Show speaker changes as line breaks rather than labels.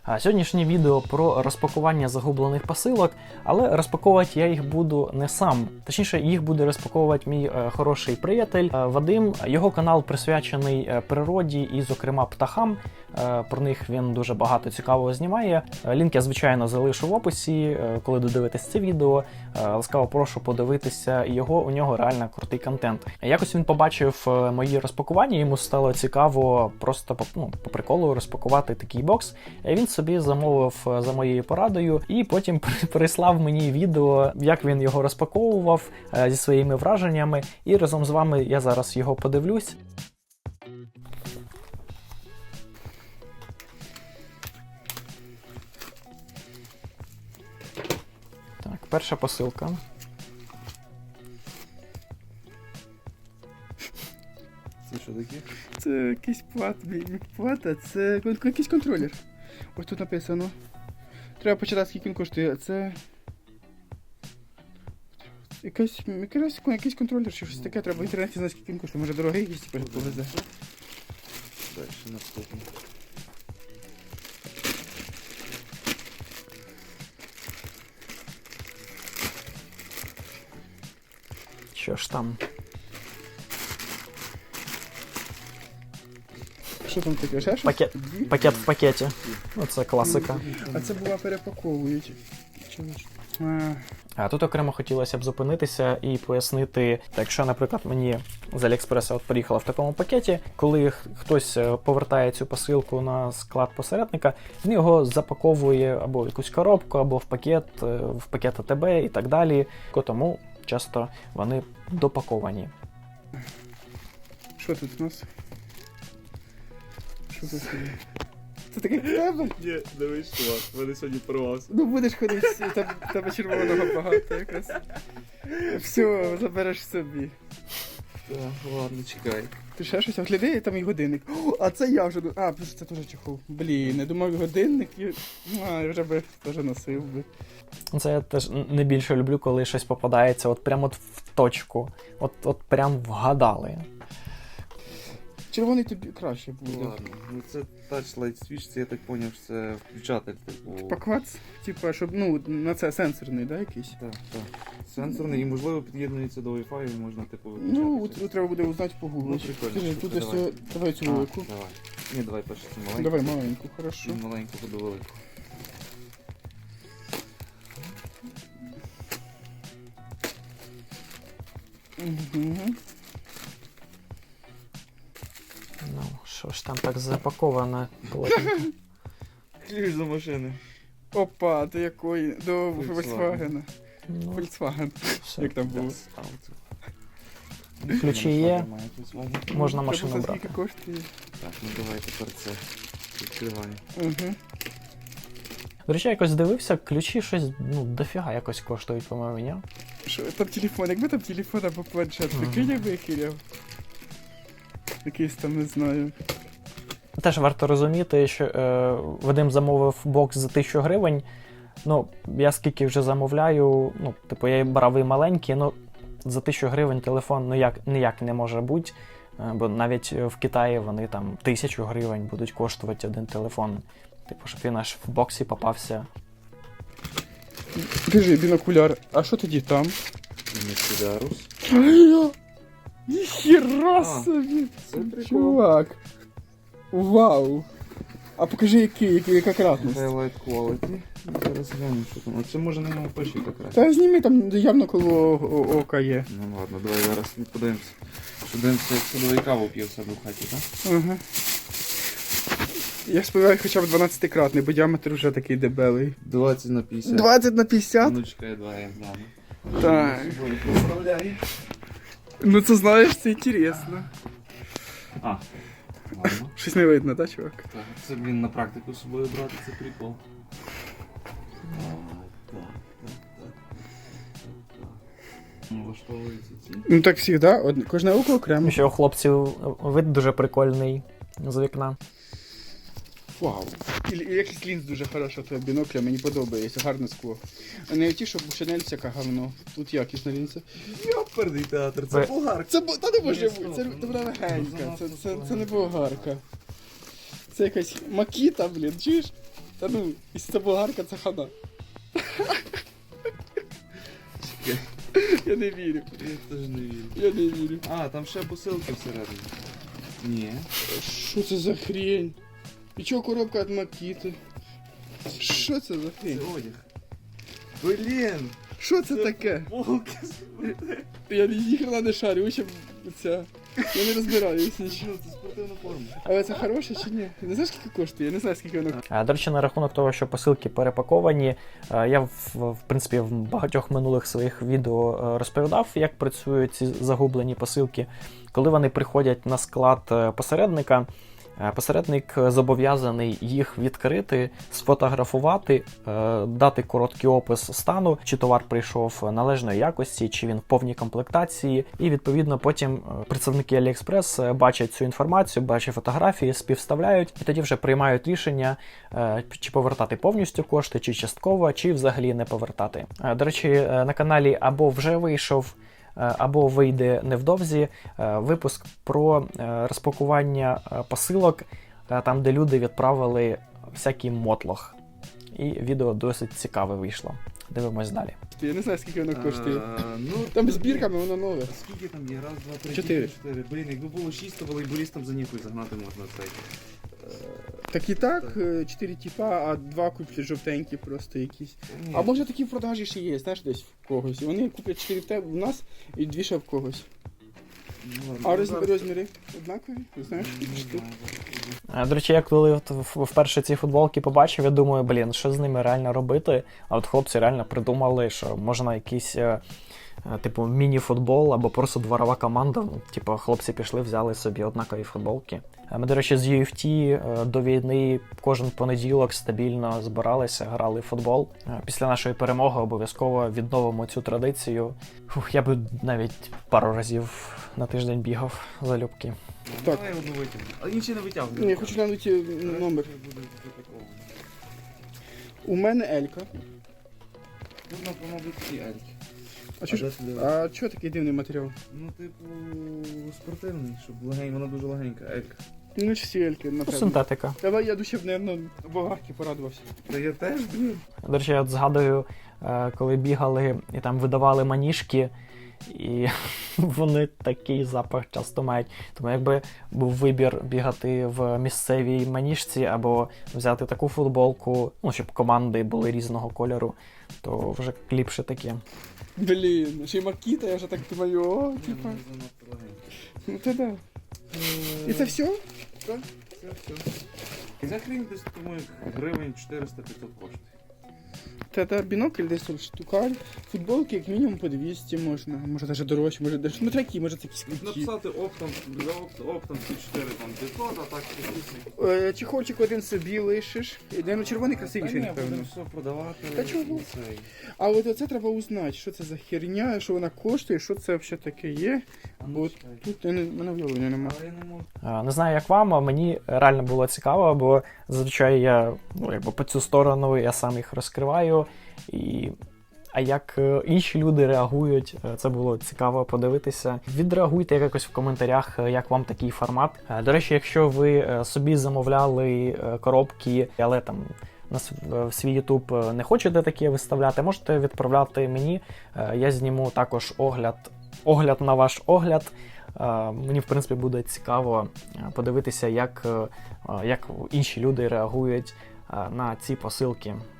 Сьогоднішнє відео про розпакування загублених посилок, але розпаковувати я їх буду не сам. Точніше, їх буде розпаковувати мій хороший приятель Вадим. Його канал присвячений природі і, зокрема, птахам. Про них він дуже багато цікавого знімає. Лінк я, звичайно, залишу в описі, коли додивитесь це відео. Ласкаво прошу подивитися його, у нього реально крутий контент. Якось він побачив мої розпакування, йому стало цікаво просто по приколу розпакувати такий бокс. Він собі замовив за моєю порадою і потім прислав мені відео, як він його розпаковував зі своїми враженнями. І разом з вами я зараз його подивлюсь. Так, перша посилка.
Це що таке?
Це якийсь плата, це якийсь контролер. Ось тут написано. Треба почитати, скільки він коштує. Це якийсь контролер чи щось таке. Треба в інтернеті знати, скільки він коштує. Може дорогий якийсь тепер повезе.
Далі наступне.
Що ж там?
Що там таке? Ще щось?
Пакет в пакеті. Оце класика.
А це була перепаковують.
А тут окремо хотілося б зупинитися і пояснити, якщо, наприклад, мені з Аліекспреса приїхала в такому пакеті, коли хтось повертає цю посилку на склад посередника, він його запаковує або в якусь коробку, або в пакет АТБ і так далі. Тому часто вони допаковані.
Що тут у нас? Що тут? Це таке тебе?
Ні, не вийшло. В мене сьогодні порвався.
Ну будеш ходити, тебе червоного багато якраз. Все, забереш собі.
Так, ладно, чекай.
Ти ще щось огляди, там і годинник. О, а це я вже... А, це теж чехол. Блін, я думав годинник і... я вже би теж носив би.
Це я теж не більше люблю, коли щось попадається от прямо от в точку. От прям вгадали.
Червоний тобі краще буде.
Ладно, ну це Touch Light Switch, це я так зрозумів, що це включатель, типу...
Паквац, типа, щоб, на це сенсорний, да, якийсь?
Так, так. Сенсорний і, можливо, під'єднується до Wi-Fi і можна, типу,
Ну,
виключати.
треба буде узнати по гуглу.
Ну, прикольно.
Скажи, тут ось,
Давай.
давай цю велику.
Давай. Ні, давай перше цю маленьку.
Давай маленьку, хорошо.
І маленьку буду велику.
Угу.
Ну, що ж там так запаковано?
Ключ до машини.
Опа, до якої? До
Volkswagen.
Volkswagen.
Ну,
Volkswagen.
все.
Як там було?
Ключі є, можна
Треба
машину
знати,
брати.
скільки коштує.
Так, ну давай тепер це відкриваємо.
Угу.
До речі, я якось дивився, ключі щось, дофіга якось коштують, по-моєму, ні?
Що, там телефон, якби там телефон або планшет, прикинь, я викиляв. Якийсь там, не знаю.
Теж варто розуміти, що Вадим замовив бокс за 1000 гривень. Ну, я скільки вже замовляю, я брав і маленький, за 1000 гривень телефон ніяк не може бути. Бо навіть в Китаї вони там 1000 гривень будуть коштувати один телефон. Щоб він аж в боксі попався.
Держи, бінокуляр. А що тоді там?
Мерседарус.
Ніхіра собі!
Це прикол.
Чувак! Вау! А покажи, яка кратність.
Highlight Quality. Зараз глянемо, що там. Оце може на ньому пишіть якраз.
Та зніми, там явно коло ока є.
Ну ладно, давай зараз подивимося. Що дивимося, як садовий каву п'є в себе в хаті, так?
Ага. Я сподіваюся, хоча б 12-кратний, бо діаметр вже такий дебелий.
20 на 50.
20 на 50?
Ну чекай, давай я гляну.
Так.
Представляю.
Ну це знаєш, це інтересно.
А, ладно.
Щось не видно, так, чувак?
Так, це, блін, на практику з собою брати, це прикол. Влаштовуються ці.
Ну так завжди, кожне око окремо.
Ще у хлопців вид дуже прикольний з вікна.
Вау. І якийсь лінз дуже хороша твоя бінокля, мені подобається, гарне скло. А не ті, що Шанель всяка говно. Тут якісна лінза.
Йоперний театр,
це
болгарка.
Та не може бути, це вона легенька, це не болгарка. Це якась макіта, блін, чуєш? Та ну, якщо це болгарка, це хана. Я не вірю.
Я теж не вірю.
Я не вірю.
А, там ще посилки всередині. Ні.
Що це за хрень? І чого коробка від Макіти? Що це за
Це
хрень?
одяг. Блін!
Що це таке?
Волки.
Я ніхрена не шарю, ще ця. Я не розбираюся нічого.
Ну, це спортивна форма.
Але це хороше чи ні? Не знаєш, скільки коштує? Я не знаю, скільки воно.
До речі, на рахунок того, що посилки перепаковані, я в принципі в багатьох минулих своїх відео розповідав, як працюють ці загублені посилки. Коли вони приходять на склад посередника, посередник зобов'язаний їх відкрити, сфотографувати, дати короткий опис стану, чи товар прийшов належної якості, чи він в повній комплектації. І відповідно потім представники AliExpress бачать цю інформацію, бачать фотографії, співставляють і тоді вже приймають рішення, чи повертати повністю кошти, чи частково, чи взагалі не повертати. До речі, на каналі або вже вийшов, або вийде невдовзі випуск про розпакування посилок, там, де люди відправили всякий мотлох. І відео досить цікаве вийшло. Дивимось далі.
Я не знаю, скільки воно коштує.
Ну,
Там збірками воно нове.
Скільки там є? Раз, два, три,
4.
4. Блін, якби було 6, то волейболістам за ніхуй загнати можна цей.
Так і так, 4 типа, а 2 куплять жовтенькі просто якісь.
Ні.
А може такі в продажі ще є, знаєш, десь в когось. І вони куплять 4 в тебе в нас і 2 ще в когось.
Ну, ладно,
А
ну, зараз-
розміри однакові? Знаєш,
Не
скільки штук?
знаю,
До речі, я коли вперше ці футболки побачив, я думаю, блін, що з ними реально робити? А от хлопці реально придумали, що можна якийсь типу міні-футбол або просто дворова команда. Ну, типу, хлопці пішли, взяли собі однакові футболки. Ми, до речі, з UFC до війни кожен понеділок стабільно збиралися, грали в футбол. Після нашої перемоги обов'язково відновимо цю традицію. Я би навіть пару разів на тиждень бігав залюбки.
Ну,
Так.
Давай одну витягну. А інші не витягну.
Ні, я хочу глянути номер. У мене Елька.
Тут, мабуть, всі ельки.
А чого ж-
де сюди?
а чого такий дивний матеріал?
Ну, типу, спортивний, щоб вона дуже легенька, елька.
Ну, чи всі Ельки, напевно.
Синтетика.
Давай я душі, мабуть, болгарки порадувався.
Та я теж, блін.
До речі, я от згадую, коли бігали і там видавали маніжки, і вони такий запах часто мають. Тому якби був вибір бігати в місцевій маніжці або взяти таку футболку, ну, щоб команди були різного кольору, то вже ліпше таке.
Блін, ще й Макіта, я вже так думаю, о, типа.
Вона занадто легенька.
Ну то да. І це все?
Все, все. І за хрень десь, тому гривень 400-500 коштує.
Та бінокль десь тут штукаль. Футболки як мінімум по 200 можна. Може навіть дорожче, може дешевше. Ну такі, може це якісь круті.
Написати оптом, оптом ці 4 там 500, а так якісь.
Чехольчик один собі лишиш. Ну, червоний красивіший,
Та ні,
напевно.
будемо все продавати.
Та чого?
і цей.
А от оце треба узнати, що це за херня, що вона коштує, що це взагалі таке є.
А
Бо
ну,
от
чекай.
тут мене уявлення немає.
Але я не можу.
Не знаю, як вам, а мені реально було цікаво, бо зазвичай я якби по цю сторону я сам їх розкриваю. А як інші люди реагують, це було цікаво подивитися. Відреагуйте якось в коментарях, як вам такий формат. До речі, якщо ви собі замовляли коробки, але там в свій YouTube не хочете такі виставляти, можете відправляти мені. Я зніму також огляд на ваш огляд. Мені, в принципі, буде цікаво подивитися, як інші люди реагують на ці посилки.